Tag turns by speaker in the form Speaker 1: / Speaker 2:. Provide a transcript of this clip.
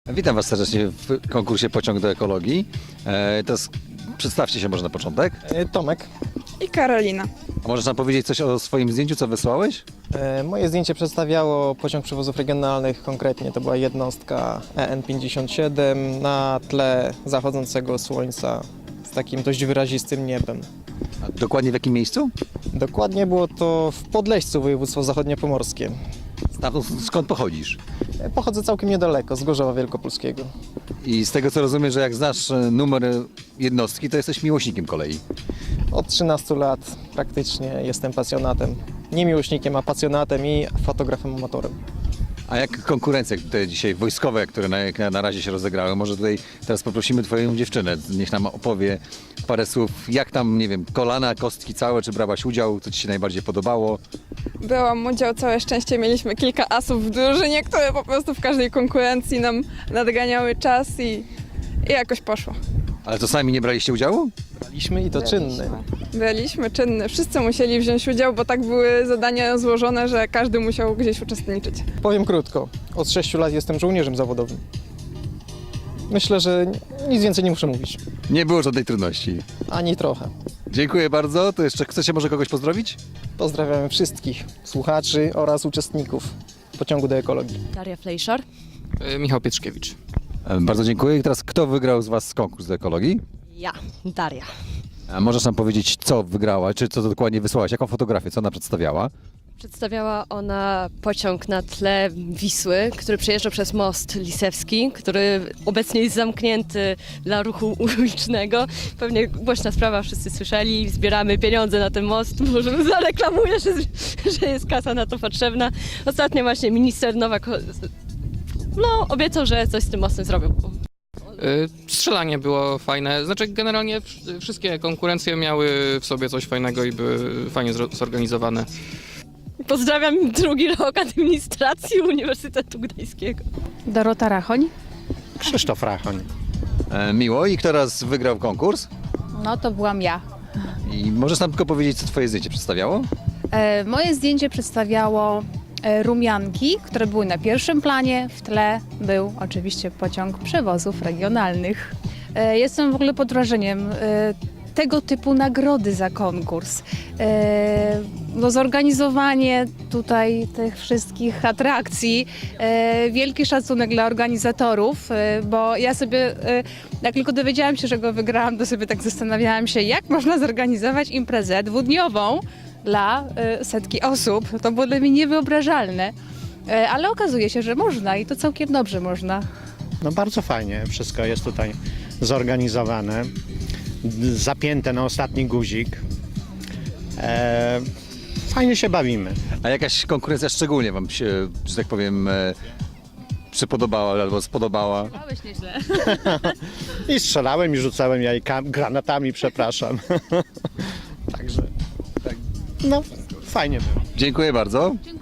Speaker 1: Witam Was serdecznie w konkursie Pociąg do Ekologii. Przedstawcie się może na początek.
Speaker 2: Tomek.
Speaker 3: I Karolina.
Speaker 1: A możesz nam powiedzieć coś o swoim zdjęciu, co wysłałeś?
Speaker 2: Moje zdjęcie przedstawiało pociąg przewozów regionalnych, konkretnie to była jednostka EN57 na tle zachodzącego słońca z takim dość wyrazistym niebem.
Speaker 1: A dokładnie w jakim miejscu?
Speaker 2: Dokładnie było to w Podleścu, województwo zachodniopomorskie.
Speaker 1: Skąd pochodzisz?
Speaker 2: Pochodzę całkiem niedaleko, z Gorzowa Wielkopolskiego.
Speaker 1: I z tego co rozumiem, że jak znasz numer jednostki, to jesteś miłośnikiem kolei.
Speaker 2: Od 13 lat praktycznie jestem pasjonatem. Nie miłośnikiem, a pasjonatem i fotografem amatorem.
Speaker 1: A jak konkurencje te dzisiaj wojskowe, które na razie się rozegrały? Może tutaj teraz poprosimy Twoją dziewczynę, niech nam opowie parę słów, jak tam, nie wiem, kolana, kostki całe, czy brałaś udział, co Ci się najbardziej podobało?
Speaker 3: Byłam udział, całe szczęście mieliśmy kilka asów w drużynie, które po prostu w każdej konkurencji nam nadganiały czas i jakoś poszło.
Speaker 1: Ale to sami nie braliście udziału?
Speaker 2: Braliśmy i to czynny.
Speaker 3: Byliśmy czynni, wszyscy musieli wziąć udział, bo tak były zadania złożone, że każdy musiał gdzieś uczestniczyć.
Speaker 2: Powiem krótko, od 6 lat jestem żołnierzem zawodowym. Myślę, że nic więcej nie muszę mówić.
Speaker 1: Nie było żadnej trudności.
Speaker 2: Ani trochę.
Speaker 1: Dziękuję bardzo. To jeszcze chcecie może kogoś pozdrowić?
Speaker 2: Pozdrawiamy wszystkich słuchaczy oraz uczestników pociągu do ekologii.
Speaker 4: Daria Flejszar.
Speaker 5: Michał Pietrzkiewicz.
Speaker 1: Bardzo dziękuję. I teraz kto wygrał z Was konkurs do ekologii?
Speaker 4: Ja, Daria.
Speaker 1: A możesz nam powiedzieć, co wygrała, czy co dokładnie wysłałaś, jaką fotografię, co ona przedstawiała?
Speaker 4: Przedstawiała ona pociąg na tle Wisły, który przejeżdża przez most Lisewski, który obecnie jest zamknięty dla ruchu ulicznego. Pewnie głośna sprawa, wszyscy słyszeli, zbieramy pieniądze na ten most, może zareklamuję, że jest kasa na to potrzebna. Ostatnio właśnie minister Nowak obiecał, że coś z tym mostem zrobił.
Speaker 5: Strzelanie było fajne. Znaczy generalnie wszystkie konkurencje miały w sobie coś fajnego i były fajnie zorganizowane.
Speaker 4: Pozdrawiam drugi rok administracji Uniwersytetu Gdańskiego.
Speaker 6: Dorota Rachoń.
Speaker 7: Krzysztof Rachoń.
Speaker 1: Miło. I kto raz wygrał konkurs?
Speaker 6: No to byłam ja.
Speaker 1: I możesz nam tylko powiedzieć, co Twoje zdjęcie przedstawiało?
Speaker 6: Moje zdjęcie przedstawiało rumianki, które były na pierwszym planie. W tle był oczywiście pociąg przewozów regionalnych. Jestem w ogóle pod wrażeniem tego typu nagrody za konkurs. Zorganizowanie tutaj tych wszystkich atrakcji, wielki szacunek dla organizatorów, bo ja sobie, jak tylko dowiedziałam się, że go wygrałam, to sobie tak zastanawiałam się, jak można zorganizować imprezę dwudniową dla setki osób. To było dla mnie niewyobrażalne, ale okazuje się, że można i to całkiem dobrze można.
Speaker 7: No bardzo fajnie, wszystko jest tutaj zorganizowane, zapięte na ostatni guzik. Fajnie się bawimy.
Speaker 1: A jakaś konkurencja szczególnie Wam się, że tak powiem, przypodobała albo spodobała?
Speaker 6: Małeś nieźle.
Speaker 7: I strzelałem, i rzucałem granatami, przepraszam. Także, no fajnie było.
Speaker 1: Dziękuję bardzo.